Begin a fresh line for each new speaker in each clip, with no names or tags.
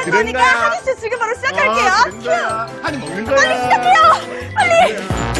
할 거니까 한이 씨 지금 바로 시작할게요. 큐.
한이 먹는 거야.
빨리 시작해요. 빨리.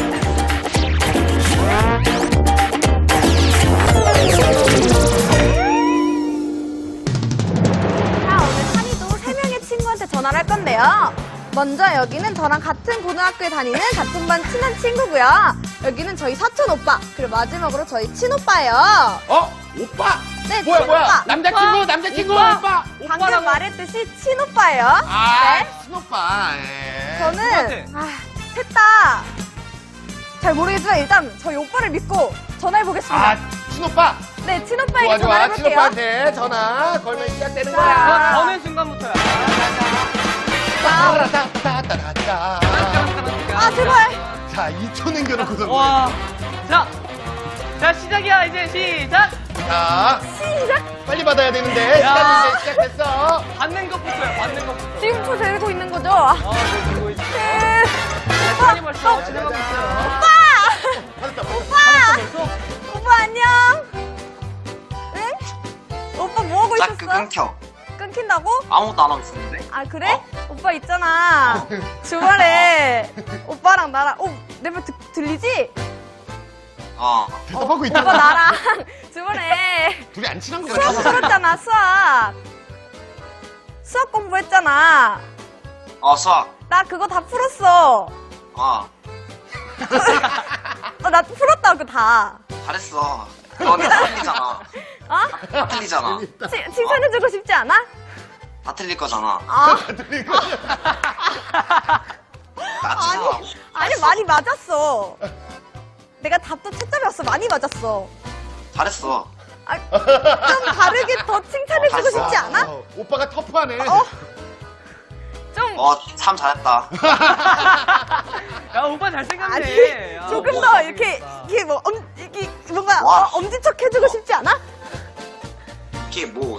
자, 오늘 한이도 3명의 친구한테 전화를 할 건데요. 먼저 여기는 저랑 같은 고등학교에 다니는 같은 반 친한 친구고요. 여기는 저희 사촌 오빠, 그리고 마지막으로 저희 친오빠예요.
오빠?
네,
뭐야?
친오빠.
남자친구, 오빠.
방금 말했듯이 친오빠예요. 네.
친오빠.
저는 셋 다 잘 모르겠지만 일단 저희 오빠를 믿고 전화해보겠습니다.
친오빠.
네, 친오빠에게
좋아.
전화해볼게요.
친오빠한테 전화 걸면 시작되는
자.
거야.
거는 순간부터야.
따라따따따따따.
아, 제발.
자, 2초 남겨놓고서.
와. 자, 시작이야. 이제 시작.
자,
시작.
빨리 받아야 되는데.
야.
시간 이제 시작됐어.
받는 것부터야. 받는 것부터.
지금 초 재고 있는 거죠?
네, 들고 있어. 시간이 벌써 지나가고 있어요.
오빠!
받았다.
벌써?
오빠 안녕. 응? 오빠 뭐 하고 있었어?
자꾸 끊겨.
끊긴다고?
아무것도 안 하고 있었는데.
아, 그래? 오빠 있잖아. 주말에 오빠랑 나랑 내 말 들리지?
대답하고 있잖아.
오빠 나랑 주말에
둘이 안 친한 거
수학
같아.
풀었잖아. 수학 공부했잖아.
수학.
나 그거 다 풀었어. 나 풀었다, 그거 다.
잘했어. 너네 다 틀리잖아.
어?
다 틀리잖아.
칭찬해주고 싶지 않아?
다 틀릴 거잖아. 나치잖아.
아니, 많이 맞았어. 내가 답도 채점이었어. 많이 맞았어.
잘했어.
좀 다르게 더 칭찬해주고
잘했어.
싶지 않아?
오빠가 터프하네.
좀,
참 잘했다.
야, 오빠 잘생겼네.
아니,
야,
조금
오빠
더 이렇게 이게 뭔가
와.
엄지척 해주고 싶지 않아?
이게 뭐,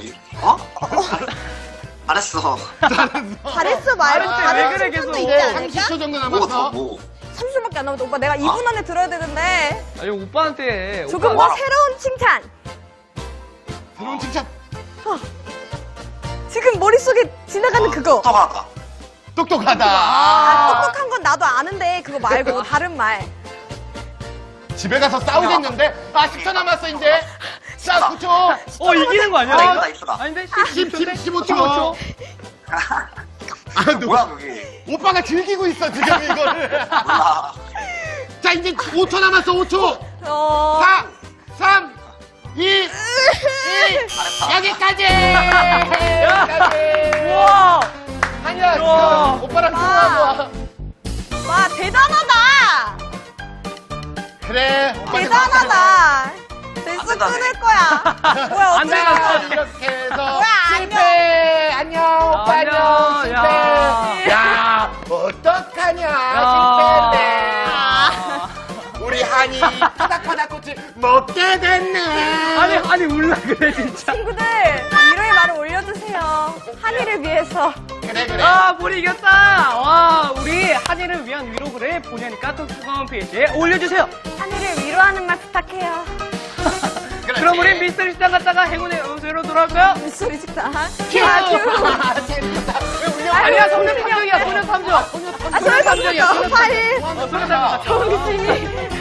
잘했어.
잘했어 말고
왜
다른
그래,
칭찬도
계속.
있지 않을까?
30초 정도
뭐,
남았어.
뭐.
30분밖에 안 남았어. 오빠 내가 2분 안에 들어야 되는데
아니, 오빠한테.
조금
오빠.
더 새로운 칭찬.
새로운 칭찬.
지금 머릿속에 지나가는 그거.
똑똑하다.
똑똑하다.
똑똑한 건 나도 아는데 그거 말고 다른 말.
집에 가서 싸우겠는데? 10초 남았어, 이제. 자, 9초.
이기는 거 아니야?
이쁘다.
아닌데?
15초.
뭐야, 그게.
오빠가 즐기고 있어, 지금 이거를.
몰라.
자, 이제 5초 남았어, 5초. 4, 3, 2, 1.
잘했다.
여기까지!
우와!
아니야,
우와.
지금 오빠랑
와.
통화하고 와.
와 대단하다.
그래, 오빠
대단하다. 됐어
안 된다네.
끊을 거야. 뭐야
안
어떡해.
된다.
이렇게 해서
뭐야,
실패. 안녕, 오빠
안녕.
안녕, 실패.
야.
야, 어떡하냐,
야.
실패인데. 우리 한이 파닥파닥 꽃을 먹게 됐네.
아니, 울라 그래, 진짜.
친구들 위로의 말을 올려주세요. 한이를 위해서.
그래.
우리 이겼다! 와, 우리 한이를 위한 위로글을 본연이 카톡 홈페이지에 올려주세요.
한이를 위로하는 말 부탁해요.
그럼 우리 미스터리 식당 갔다가 행운의 음수로 돌아올까요?
물소리 식당.
큐.
아니야, 소년 탐정이야, 소년 탐정.
아, 소리 탐정이야. 파일.
소년 탐정.
정신이